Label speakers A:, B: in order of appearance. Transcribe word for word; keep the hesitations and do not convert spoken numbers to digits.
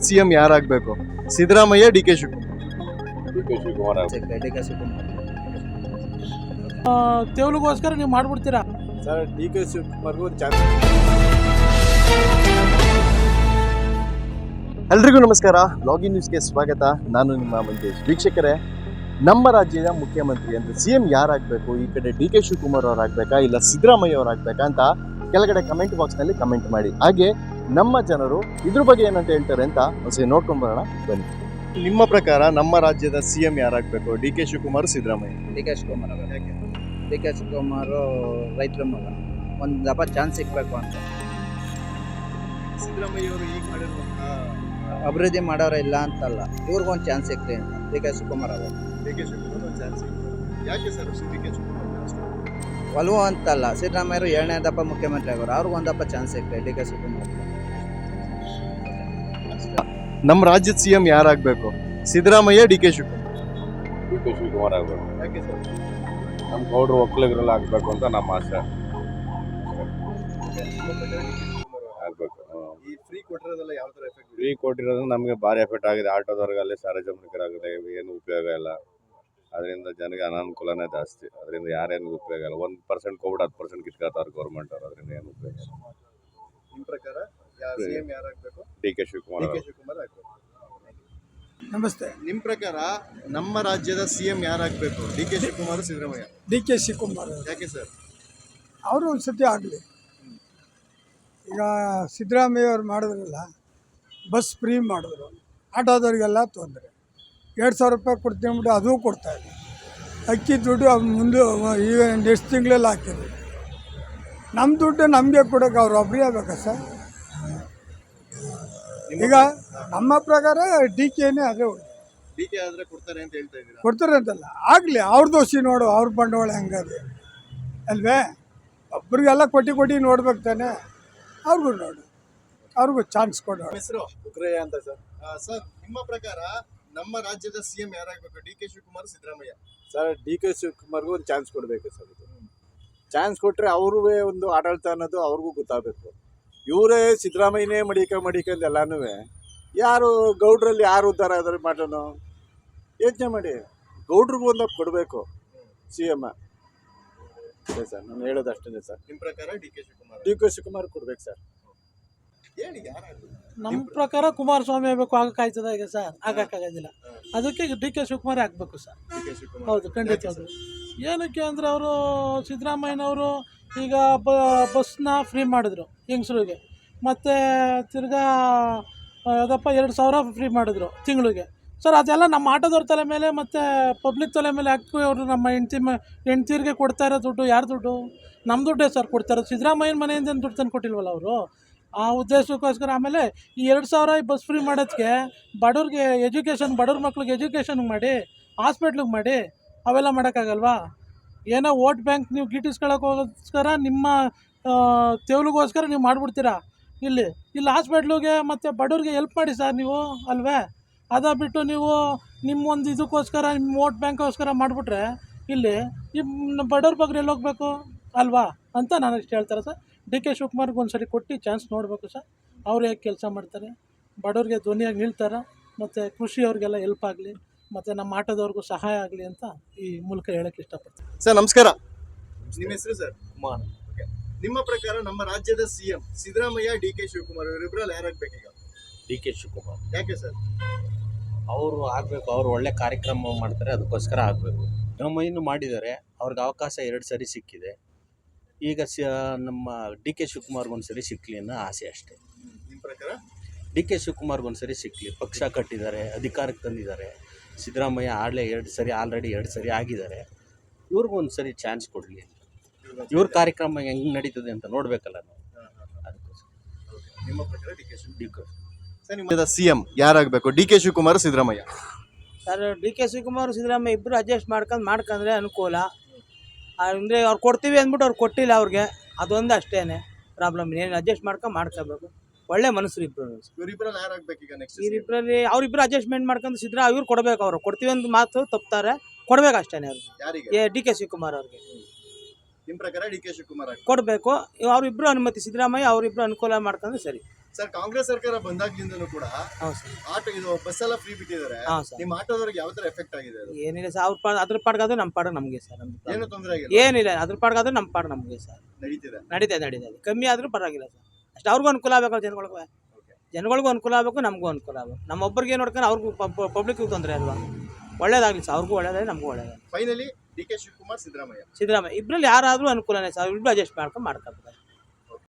A: CM ಯಾರಾಗಬೇಕು? Siddaramaiah, D K Shivakumar?
B: D K Shivakumar
C: D K Shivakumar
D: ತೆವಲಿಗೋಸ್ಕರ ನೀವು ಮಾಡ್ಬಿಡ್ತೀರಾ
B: ಸರ್. ಡಿ ಕೆ ಶಿವಕುಮಾರ್ಗೂ ಒಂದು ಚಾನ್ಸ್.
A: ಎಲ್ರಿಗೂ ನಮಸ್ಕಾರ. ಲಾಗಿನ್ ನ್ಯೂಸ್ಗೆ ಸ್ವಾಗತ. ನಾನು ನಿಮ್ಮ ಮಂಜೇಶ್. ವೀಕ್ಷಕರೇ, ನಮ್ಮ ರಾಜ್ಯದ ಮುಖ್ಯಮಂತ್ರಿ ಅಂದರೆ ಸಿ ಎಂ ಯಾರಾಗಬೇಕು? ಈ ಕಡೆ ಡಿ ಕೆ ಶಿವಕುಮಾರ್ ಅವರಾಗಬೇಕಾ ಇಲ್ಲ ಸಿದ್ದರಾಮಯ್ಯ ಅವರಾಗಬೇಕಾ ಅಂತ ಕೆಳಗಡೆ ಕಮೆಂಟ್ ಬಾಕ್ಸ್ನಲ್ಲಿ ಕಮೆಂಟ್ ಮಾಡಿ. ಹಾಗೆ ನಮ್ಮ ಜನರು ಇದ್ರ ಬಗ್ಗೆ ಏನಂತ ಹೇಳ್ತಾರೆ ಅಂತ ಒಂದ್ಸರಿ ನೋಡ್ಕೊಂಡು ಬರೋಣ ಬನ್ನಿ. ನಿಮ್ಮ ಪ್ರಕಾರ ನಮ್ಮ ರಾಜ್ಯದ ಸಿ ಎಂ ಯಾರಾಗಬೇಕು? D K Shivakumar, Siddaramaiah?
C: D K Shivakumar ಅವರು. ಯಾಕೆ ಡಿ ಕೆ ಶಿವಕುಮಾರ್ ರೈತರ ಮಗ, ಒಂದು ದಪ ಚಾನ್ಸ್ ಸಿಗಬೇಕು ಅಂತ.
A: ಸಿದ್ದರಾಮಯ್ಯ ಅವರು ಈಗ ಮಾಡಿರುವಂತಹ
C: ಅಭಿವೃದ್ಧಿ ಮಾಡೋರ ಇಲ್ಲ ಅಂತಲ್ಲ, ಇವ್ರಿಗೊಂದು ಚಾನ್ಸ್ ಸಿಗ್ಲಿ ಅಂತ ಡಿ ಕೆ ಶಿವಕುಮಾರ್ ಅವರು.
A: ಡಿ ಕೆ ಶಿವಕುಮಾರ್ ಒಂದು ಚಾನ್ಸ್ ಯಾಕೆ ಸರ್ ಡಿ ಕೆ ಶಿವಕುಮಾರ್
C: ಒಲವು ಅಂತಲ್ಲ, ಸಿದ್ದರಾಮಯ್ಯರು ಏಳನೇ ದಪ್ಪ ಮುಖ್ಯಮಂತ್ರಿ ಆಗೋರು, ಅವ್ರಿಗೊಂದು ದಪ್ಪ ಚಾನ್ಸ್ ಸಿಗ್ಲಿ ಡಿ ಕೆ ಶಿವಕುಮಾರ್.
A: ನಮ್ಮ ರಾಜ್ಯದ ಸಿ ಎಂ ಯಾರಾಗಬೇಕು? Siddaramaiah, D K Shivakumar?
B: D K Shivakumar ಆಗಬೇಕು.
A: ಯಾಕೆ ಸರ್?
B: ನಮ್ಮ ಗೌಡ್ರು ಒಕ್ಕಲಿಗರೆಲ್ಲ ಆಗಬೇಕು ಅಂತ ನಮ್ಮ ಆಸೆ. ಆಗಬೇಕು.
A: ಈ ಫ್ರೀ ಕೊಟ್ಟಿರೋದೆಲ್ಲ ಯಾವ ಥರ ಎಫೆಕ್ಟ್?
B: ಫ್ರೀ ಕೊಟ್ಟಿರೋದು ನಮಗೆ ಭಾರಿ ಎಫೆಕ್ಟ್ ಆಗಿದೆ. ಆಟೋದವ್ರಿಗಲ್ಲಿ ಸಾರ್ವಜನಿಕರಾಗಿದೆ, ಏನು ಉಪಯೋಗ ಇಲ್ಲ. ಅದರಿಂದ ಜನಗೆ ಅನಾನುಕೂಲನೇ ಜಾಸ್ತಿ. ಅದರಿಂದ ಯಾರೇನು ಉಪಯೋಗ ಇಲ್ಲ. ಒಂದು ಪರ್ಸೆಂಟ್ ಕೋವಿಡ್ ಹತ್ತು ಪರ್ಸೆಂಟ್ ಕಿತ್ಕೊತಾರೆ ಗೌರ್ಮೆಂಟ್ ಅವರು. ಅದರಿಂದ ಏನು ಉಪಯೋಗ ಇಲ್ಲ.
A: ನಿಮ್ಮ ಪ್ರಕಾರ ಸಿ ಎಂ ಯಾರಾಗಬೇಕು?
B: D K Shivakumar.
A: D K Shivakumar ಆಗಬೇಕು.
D: ನಮಸ್ತೆ.
A: ನಿಮ್ಮ ಪ್ರಕಾರ ನಮ್ಮ ರಾಜ್ಯದ ಸಿ ಎಂ ಯಾರಾಗಬೇಕು? D K Shivakumar, Siddaramaiah?
D: D K Shivakumar
A: ಯಾಕೆ ಸರ್?
D: ಅವರು ಒಂದು ಸತಿ ಆಗಲಿ. ಈಗ ಸಿದ್ದರಾಮಯ್ಯ ಅವ್ರು ಮಾಡಿದ್ರಲ್ಲ, ಬಸ್ ಫ್ರೀ ಮಾಡಿದ್ರು, ಆಟೋದವ್ರಿಗೆಲ್ಲ ತೊಂದರೆ. ಎರಡು ಸಾವಿರ ರೂಪಾಯಿ ಕೊಡ್ತೀನಿ ಅಂದ್ಬಿಟ್ಟು ಅದೂ ಕೊಡ್ತಾಯಿಲ್ಲ. ಅಕ್ಕಿ ದುಡ್ಡು ಮುಂದೆ ಈಗ ನೆಕ್ಸ್ಟ್ ತಿಂಗಳಲ್ಲಿ ಹಾಕಿದ್ರು. ನಮ್ಮ ದುಡ್ಡು ನಮಗೆ ಕೊಡೋಕೆ ಅವ್ರು ಒಬ್ಬರೇ ಆಗಬೇಕಾ ಸರ್? ಈಗ ನಮ್ಮ ಪ್ರಕಾರ ಡಿ ಕೆನೇ ಅದೇ
A: ಡಿ ಕೆ ಆದರೆ ಕೊಡ್ತಾರೆ ಅಂತ ಹೇಳ್ತಾ ಇದ್ದೀರಾ?
D: ಕೊಡ್ತಾರೆ ಅಂತಲ್ಲ, ಆಗಲಿ. ಅವ್ರ ದೋಷಿ ನೋಡು, ಅವ್ರ ಬಂಡವಾಳ ಹೆಂಗದೆ ಅಲ್ವೇ? ಒಬ್ರಿಗೆಲ್ಲ ಕೊಟ್ಟು ಕೊಟ್ಟು ನೋಡ್ಬೇಕು ತಾನೆ. ಅವ್ರಿಗೂ ನೋಡು, ಅವ್ರಿಗೂ ಚಾನ್ಸ್ ಕೊಡೋಣ.
A: ಹೆಸರು
B: ಉಗ್ರಯ್ಯ ಅಂತ ಸರ್.
A: ಸರ್, ನಿಮ್ಮ ಪ್ರಕಾರ ನಮ್ಮ ರಾಜ್ಯದ ಸಿ ಎಂ ಯಾರಾಗಬೇಕು? D K Shivakumar, Siddaramaiah?
B: Sir, D K ಶಿವಕುಮಾರ್ಗೂ ಒಂದು ಚಾನ್ಸ್ ಕೊಡಬೇಕು ಸರ್. ಇದು ಚಾನ್ಸ್ ಕೊಟ್ಟರೆ ಅವ್ರೂ ಒಂದು ಆಡಳಿತ ಅನ್ನೋದು ಅವ್ರಿಗೂ ಗೊತ್ತಾಗಬೇಕು. ಇವರೇ ಸಿದ್ದರಾಮಯ್ಯನೇ ಮಡಿಕ ಮಡಿಕಂದು ಎಲ್ಲನೂ ಯಾರು ಗೌಡ್ರಲ್ಲಿ ಯಾರು ಉದ್ಧಾರ ಆದ್ರೆ ಮಾಡೋಣ ಯೋಚನೆ ಮಾಡಿ. ಗೌಡ್ರಿಗೂ ಒಂದು ಕೊಡಬೇಕು ಸಿ ಎಮ್. ಅದೇ ಸರ್ ನಾನು ಹೇಳೋದು ಅಷ್ಟೇ ಸರ್.
A: ನಿಮ್ಮ ಪ್ರಕಾರ D K Shivakumar?
B: D K Shivakumar ಕೊಡ್ಬೇಕು ಸರ್.
A: ಹೇಳಿ ಯಾರಾಗಬೇಕು?
D: ನಮ್ಮ ಪ್ರಕಾರ ಕುಮಾರಸ್ವಾಮಿ ಆಗಬೇಕು. ಆಗಕ್ಕಾಯ್ತದ ಈಗ ಸರ್? ಆಗಕ್ಕಾಗೋದಿಲ್ಲ. ಅದಕ್ಕೆ ಡಿ ಕೆ ಶಿವಕುಮಾರ್ ಆಗಬೇಕು ಸರ್.
A: D K Shivakumar.
D: ಹೌದು, ಖಂಡಿತ. ಏನಕ್ಕೆ ಅಂದರೆ ಅವರು ಸಿದ್ದರಾಮಯ್ಯನವರು ಈಗ ಬ ಬಸ್ನ ಫ್ರೀ ಮಾಡಿದ್ರು ಹೆಂಗಸ್ರಿಗೆ, ಮತ್ತು ತಿರ್ಗಾ ಯಾವುದಪ್ಪ ಎರಡು ಸಾವಿರ ಫ್ರೀ ಮಾಡಿದ್ರು ತಿಂಗಳಿಗೆ. ಸರ್, ಅದೆಲ್ಲ ನಮ್ಮ ಆಟೋದವ್ರ ತಲೆ ಮೇಲೆ ಮತ್ತು ಪಬ್ಲಿಕ್ ತಲೆ ಮೇಲೆ ಹಾಕಿ ಅವರು ನಮ್ಮ ಹೆಂಡ್ತಿ ಮ ಹೆಂಡ್ತಿರಿಗೆ ಕೊಡ್ತಾ ಇರೋ ದುಡ್ಡು ಯಾರು ದುಡ್ಡು? ನಮ್ಮ ದುಡ್ಡೇ ಸರ್ ಕೊಡ್ತಾ ಇರೋದು. ಸಿದ್ದರಾಮಯ್ಯನ ಮನೆಯಿಂದ ದುಡ್ಡು ತಂದು ಕೊಟ್ಟಿಲ್ವಲ್ಲ ಅವರು. ಆ ಉದ್ದೇಶಕ್ಕೋಸ್ಕರ ಆಮೇಲೆ ಈ ಎರಡು ಸಾವಿರ ಬಸ್ ಫ್ರೀ ಮಾಡೋದಕ್ಕೆ ಬಡವ್ರಿಗೆ ಎಜುಕೇಷನ್, ಬಡವ್ರ ಮಕ್ಳಿಗೆ ಎಜುಕೇಷನ್ ಮಾಡಿ, ಹಾಸ್ಪಿಟ್ಲಿಗೆ ಮಾಡಿ, ಅವೆಲ್ಲ ಮಾಡೋಕ್ಕಾಗಲ್ವಾ? ಏನೋ ವೋಟ್ ಬ್ಯಾಂಕ್ ನೀವು ಗಿಟ್ಟಿಸ್ಕೊಳ್ಳೋಕ್ಕೋಸ್ಕರ ನಿಮ್ಮ ತೆವಲಿಗೋಸ್ಕರ ನೀವು ಮಾಡಿಬಿಡ್ತೀರಾ. ಇಲ್ಲಿ ಇಲ್ಲಿ ಹಾಸ್ಪಿಟ್ಲಿಗೆ ಮತ್ತು ಬಡವ್ರಿಗೆ ಹೆಲ್ಪ್ ಮಾಡಿ ಸರ್ ನೀವು, ಅಲ್ವೇ? ಅದ ಬಿಟ್ಟು ನೀವು ನಿಮ್ಮೊಂದು ಇದಕ್ಕೋಸ್ಕರ, ನಿಮ್ಮ ವೋಟ್ ಬ್ಯಾಂಕ್ಗೋಸ್ಕರ ಮಾಡಿಬಿಟ್ರೆ ಇಲ್ಲಿ ಈ ಬಡವ್ರ ಬಗ್ಗೆ ಎಲ್ಲಿ ಹೋಗಬೇಕು ಅಲ್ವಾ ಅಂತ ನಾನು ಇಷ್ಟು ಹೇಳ್ತಾರೆ ಸರ್. ಡಿ ಕೆ ಶಿವಕುಮಾರ್ಗೆ ಒಂದು ಸರಿ ಕೊಟ್ಟು ಚಾನ್ಸ್ ನೋಡಬೇಕು ಸರ್. ಅವ್ರು ಹೇಗೆ ಕೆಲಸ ಮಾಡ್ತಾರೆ, ಬಡವ್ರಿಗೆ ಧ್ವನಿಯಾಗಿ ನಿಲ್ತಾರೆ, ಮತ್ತು ಕೃಷಿಯವ್ರಿಗೆಲ್ಲ ಹೆಲ್ಪ್ ಆಗಲಿ, ಮತ್ತು ನಮ್ಮ ಆಟೋದವ್ರಿಗೂ ಸಹಾಯ ಆಗಲಿ ಅಂತ ಈ ಮೂಲಕ ಹೇಳೋಕ್ಕೆ ಇಷ್ಟಪಡ್ತೀನಿ.
A: ಸರ್ ನಮಸ್ಕಾರ. ನಿಮ್ಮ ಹೆಸರು ಸರ್?
B: ಕುಮಾರ್.
A: ನಿಮ್ಮ ಪ್ರಕಾರ ನಮ್ಮ ರಾಜ್ಯದ C M Siddaramaiah, D K Shivakumar ಇವರಿಬ್ಬರಲ್ಲಿ ಯಾರಾಗಬೇಕೀಗ?
E: D K Shivakumar.
A: ಯಾಕೆ ಸರ್?
E: ಅವರು ಆಗಬೇಕು. ಅವರು ಒಳ್ಳೆ ಕಾರ್ಯಕ್ರಮ ಮಾಡ್ತಾರೆ, ಅದಕ್ಕೋಸ್ಕರ ಆಗಬೇಕು. ಸಿದ್ದರಾಮಯ್ಯನೂ ಮಾಡಿದ್ದಾರೆ, ಅವ್ರಿಗೆ ಅವಕಾಶ ಎರಡು ಸರಿ ಸಿಕ್ಕಿದೆ. ಈಗ ಸ ನಮ್ಮ ಡಿ ಕೆ ಶಿವಕುಮಾರ್ಗೆ ಒಂದು ಸರಿ ಸಿಕ್ಕಲಿ ಅನ್ನೋ ಆಸೆ ಅಷ್ಟೇ.
A: ನಿಮ್ಮ ಪ್ರಕಾರ?
E: ಡಿ ಕೆ ಶಿವಕುಮಾರ್ಗೆ ಒಂದು ಸರಿ ಸಿಕ್ಕಲಿ. ಪಕ್ಷ ಕಟ್ಟಿದ್ದಾರೆ, ಅಧಿಕಾರಕ್ಕೆ ತಂದಿದ್ದಾರೆ. ಸಿದ್ದರಾಮಯ್ಯ ಆಡಲೇ ಎರಡು ಸರಿ ಆಲ್ರೆಡಿ ಎರಡು ಸರಿ ಆಗಿದ್ದಾರೆ. ಇವ್ರಿಗೂ ಒಂದು ಸರಿ ಚಾನ್ಸ್ ಕೊಡಲಿ. ಇವ್ರ ಕಾರ್ಯಕ್ರಮ ಹೆಂಗೆ ನಡೀತದೆ ಅಂತ ನೋಡಬೇಕಲ್ಲ ನಾವು, ಅದಕ್ಕೋಸ್ಕರ.
A: ನಿಮ್ಮ ಪ್ರಕಾರ D K
E: D K
A: sir, ನಿಮ್ಮ ಸಿ ಎಂ ಯಾರಾಗಬೇಕು? D K Shivakumar, Siddaramaiah?
F: Sir, D K Shivakumar Siddaramaiah ಇಬ್ಬರು ಅಡ್ಜಸ್ಟ್ ಮಾಡ್ಕೊಂಡು ಮಾಡ್ಕೊಂಡ್ರೆ ಅನುಕೂಲ. ಅಂದರೆ ಅವ್ರು ಕೊಡ್ತೀವಿ ಅಂದ್ಬಿಟ್ಟು ಅವ್ರು ಕೊಟ್ಟಿಲ್ಲ ಅವ್ರಿಗೆ, ಅದೊಂದು ಅಷ್ಟೇ ಪ್ರಾಬ್ಲಮ್. ಏನು ಅಡ್ಜಸ್ಟ್ ಮಾಡ್ಕೊಂಡು ಮಾಡ್ಕೋಬೇಕು. ಒಳ್ಳೆ ಮನಸ್ಸು ಇಬ್ಬರು.
A: ಇವರಿಬ್ಬರಲ್ಲಿ ಯಾರಾಗಬೇಕೀಗ ನೆಕ್ಸ್ಟ್?
F: ಇವರಿಬ್ಬರಲ್ಲಿ ಅವರಿಬ್ಬರು ಅಡ್ಜಸ್ಟ್ಮೆಂಟ್ ಮಾಡ್ಕೊಂಡು ಸಿದ್ದರಾ ಇವ್ರು ಕೊಡಬೇಕು. ಅವರು ಕೊಡ್ತೀವಿ ಅಂತ ಮಾತು ತಪ್ತಾರೆ, ಕೊಡ್ಬೇಕು ಅಷ್ಟೇ ಅವ್ರು.
A: ಯಾರಿಗೆ?
F: ಏ ಡಿ ಕೆ ಶಿವಕುಮಾರ್ ಅವ್ರಿಗೆ
A: ನಿಮ್ಮ ಪ್ರಕಾರ ಡಿ ಕೆ ಶಿವಕುಮಾರ್
F: ಕೊಡಬೇಕು. ಅವರಿಬ್ಬರು ಅನುಮತಿ, ಸಿದ್ದರಾಮಯ್ಯ ಅವರಿಬ್ಬರು ಅನುಕೂಲ ಮಾಡ್ಕೊಂಡ್ರೆ ಸರಿ.
A: ಸರ್ ಕಾಂಗ್ರೆಸ್ ಸರ್ಕಾರ ಬಂದಾಗ್ಲಿಂದನೂ ಕೂಡ
F: ಹೌದು ಸರ್
A: ಆಟೋ ಇದು ಬಸ್ ಎಲ್ಲ ಫ್ರೀ ಬಿಟ್ಟಿದ್ದಾರೆ.
F: ಹಾಂ ಸರ್
A: ನಿಮ್ಮ ಆಟೋದವ್ರಿಗೆ ಯಾವ ತರ ಎಫೆಕ್ಟ್ ಆಗಿದೆ ಅದು?
F: ಏನಿಲ್ಲ ಸರ್ ಅವ್ರ ಪಾಡ್ ಅದ್ರ ಪಾಡ್ಗಾದ್ರೆ ನಮ್ಮ ಪಾಡ್ ನಮಗೆ ಸರ್ ನಮ್ಗೆ
A: ಏನು ತೊಂದರೆ ಆಗಿಲ್ಲ,
F: ಏನಿಲ್ಲ ಅದ್ರ ಪಾಡ್ಗಾದ್ರೆ ನಮ್ಮ ಪಾಡ್ ನಮಗೆ ಸರ್
A: ನಡೀತಿದೆ.
F: ನಡೀತದೆ ನಡೀತದೆ ಕಮ್ಮಿ ಆದ್ರೂ ಪರವಾಗಿಲ್ಲ ಸರ್ ಅಷ್ಟು ಅವ್ರಿಗೂ ಅನುಕೂಲ ಆಗಬೇಕು ಜನಗಳಿಗೂ ಜನಗಳಿಗೂ ಅನುಕೂಲ ಆಗಬೇಕು ನಮಗೂ ಅನುಕೂಲ ಆಗಬೇಕು ನಮ್ಮೊಬ್ಬರಿಗೆ ನೋಡ್ಕೊಂಡು ಅವ್ರಿಗೂ ಪಬ್ಲಿಕ್ಗೂ ತೊಂದರೆ ಅಲ್ವಾ ಒಳ್ಳೇದಾಗಲಿ ಸರ್ ಅವ್ರಿಗೂ ಒಳ್ಳೇದಾಗಲಿ ನಮಗೂ ಒಳ್ಳೇದಾಗಲಿ
A: finally D K Shivakumar Siddaramaiah
F: Siddaramaiah ಇಬ್ಬರಲ್ಲಿ ಯಾರಾದರೂ ಅನುಕೂಲನೇ ಸರ್ ಇಬ್ಬರು ಅಡ್ಜಸ್ಟ್ ಮಾಡ್ಕೊಂಡು ಮಾಡ್ಕೊಬೇಕು